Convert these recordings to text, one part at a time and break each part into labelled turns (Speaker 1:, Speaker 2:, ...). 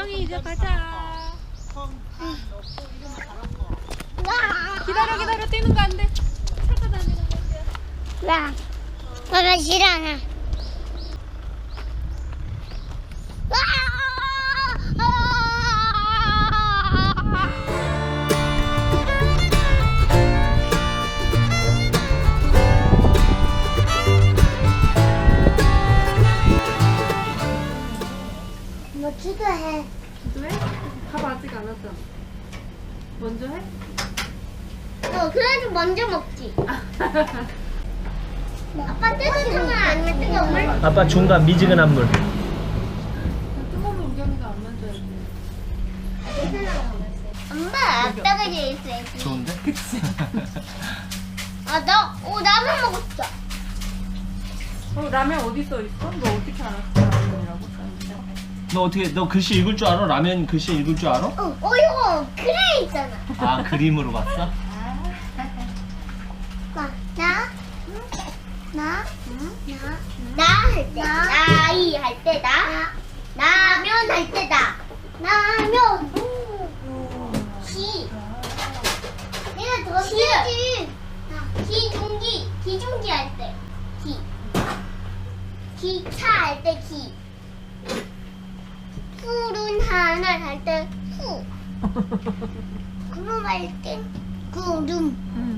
Speaker 1: 웅이 이제 가자. 기다려 뛰는 거 안 돼. 차가 다니는 거야.
Speaker 2: 와, 엄마 싫어. 뭐 기도해.
Speaker 1: 기도해? 밥 아직 안 왔잖아. 먼저 해?
Speaker 2: 그래도 먼저 먹지. 아빠 뜨거운 물 아니면 뜨거운 물?
Speaker 3: 아빠 중간 미지근한 물.
Speaker 1: 뜨거우면 우겸이가 안 만져야지.
Speaker 2: 엄마, 아빠가 제일 있어야지.
Speaker 3: 좋은데?
Speaker 2: 라면 먹었어.
Speaker 1: 라면 어디 써 있어? 너 어떻게 알았어? 라면이라고 써있어?
Speaker 3: 너 글씨 읽을 줄 알아? 라면 글씨 읽을 줄 알아?
Speaker 2: 이거 그래 있잖아.
Speaker 3: 아 그림으로 봤어?
Speaker 2: 나 할 때, 나이 할 때, 라면 할 때다. 라면. 내가 더 쉬지. 기중지 할 때, 기차 할 때, 푸른 하늘 할 때, 구름 할 때, 구름.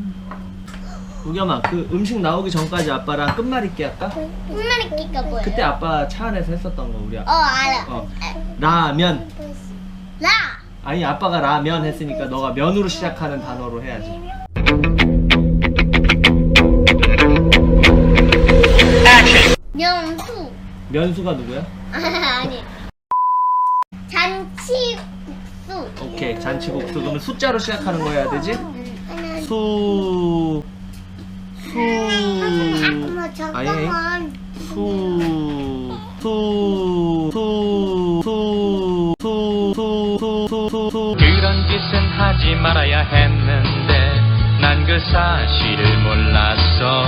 Speaker 3: 우겸아 그 음식 나오기 전까지 아빠랑 끝말잇기 할까?
Speaker 2: 끝말잇기가 뭐예요?
Speaker 3: 그때 아빠 차 안에서 했었던 거 우리 아빠.
Speaker 2: 알아.
Speaker 3: 라면.
Speaker 2: 라.
Speaker 3: 아니 아빠가 라면 했으니까 너가 면으로 시작하는 단어로 해야지.
Speaker 2: 명수.
Speaker 3: 면수가 누구야?
Speaker 2: 아니. 잔치국수.
Speaker 3: 오케이 잔치국수. 그러면 숫자로 시작하는 거 해야 되지?
Speaker 2: 하나.
Speaker 3: 수
Speaker 2: 엄마 잠깐만.
Speaker 4: 그런 짓은 하지 말아야 했는데 난 그 사실을 몰랐어.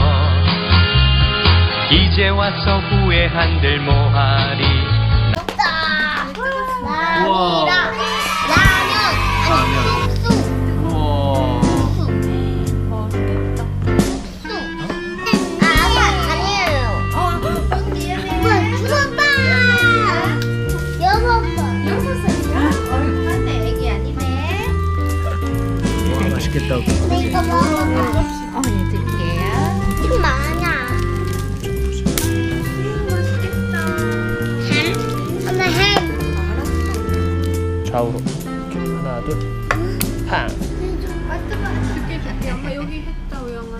Speaker 4: 이제 와서 후회한들 뭐하리.
Speaker 2: 없다.
Speaker 3: 우와.
Speaker 2: 라면. 국수.
Speaker 3: 우와.
Speaker 1: 맛있겠다.
Speaker 2: 아니에요. 주먹밥. 여먹밥.
Speaker 1: 6살이야? 맞네 애기 아니네.
Speaker 3: 와 맛있겠다.
Speaker 2: 이거 먹어봐.
Speaker 1: 어머니 드릴게요.
Speaker 2: 좀 많아.
Speaker 1: 맛있겠다.
Speaker 2: 엄마 햄.
Speaker 3: 좌우로. 하나 둘. 팡.
Speaker 1: 줄게. 엄마 여기 했다 우영아.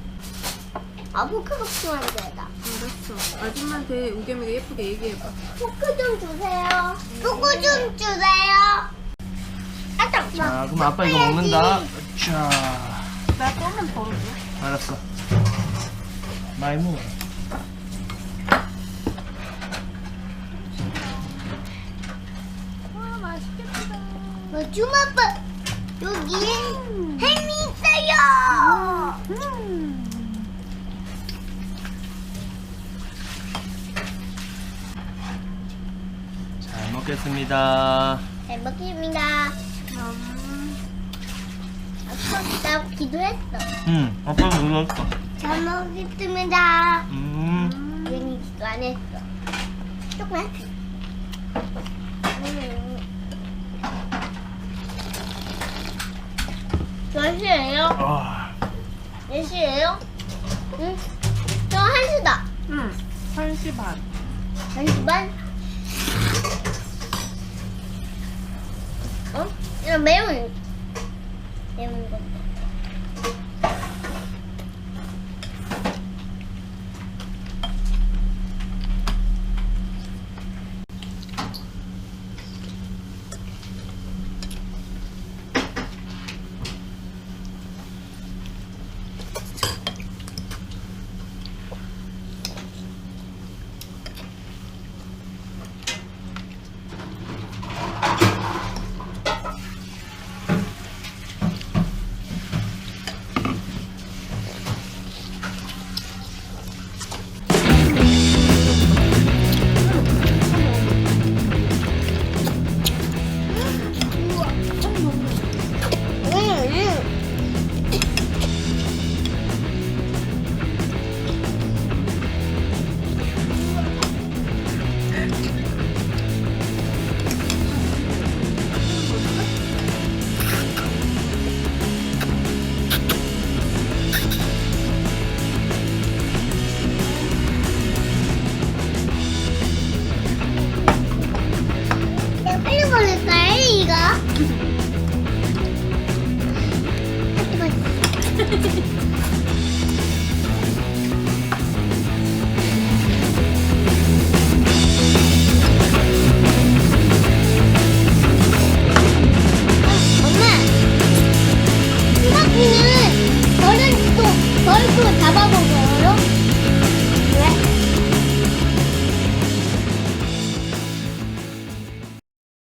Speaker 2: 아보카도 필요한 데다.
Speaker 1: 알았어. 아줌마한테 우겸이가 예쁘게 얘기해봐.
Speaker 2: 포크 좀 주세요. 포크 좀 주세요. 아따.
Speaker 3: 자 그럼 아빠 이거 먹는다. 자.
Speaker 1: 나 조금 덜어줘.
Speaker 3: 알았어. 많이 먹어.
Speaker 1: 와 맛있겠다.
Speaker 2: 주먹밥. 여기 햄이 있어요.
Speaker 3: 잘 먹겠습니다.
Speaker 2: 잘 먹습니다. 아빠 나 기도했어.
Speaker 3: 응. 아빠가 눌렀어.
Speaker 2: 잘 먹겠습니다. 괜히 기도 안 했어. 조금만. 몇 시예요?
Speaker 3: 아.
Speaker 2: 몇 시예요? 응? 저 1시다.
Speaker 1: 응. 1시 반.
Speaker 2: 1시 반? 이거 매운 거. 엄마, 수박이는 벌은 또 벌고 잡아보고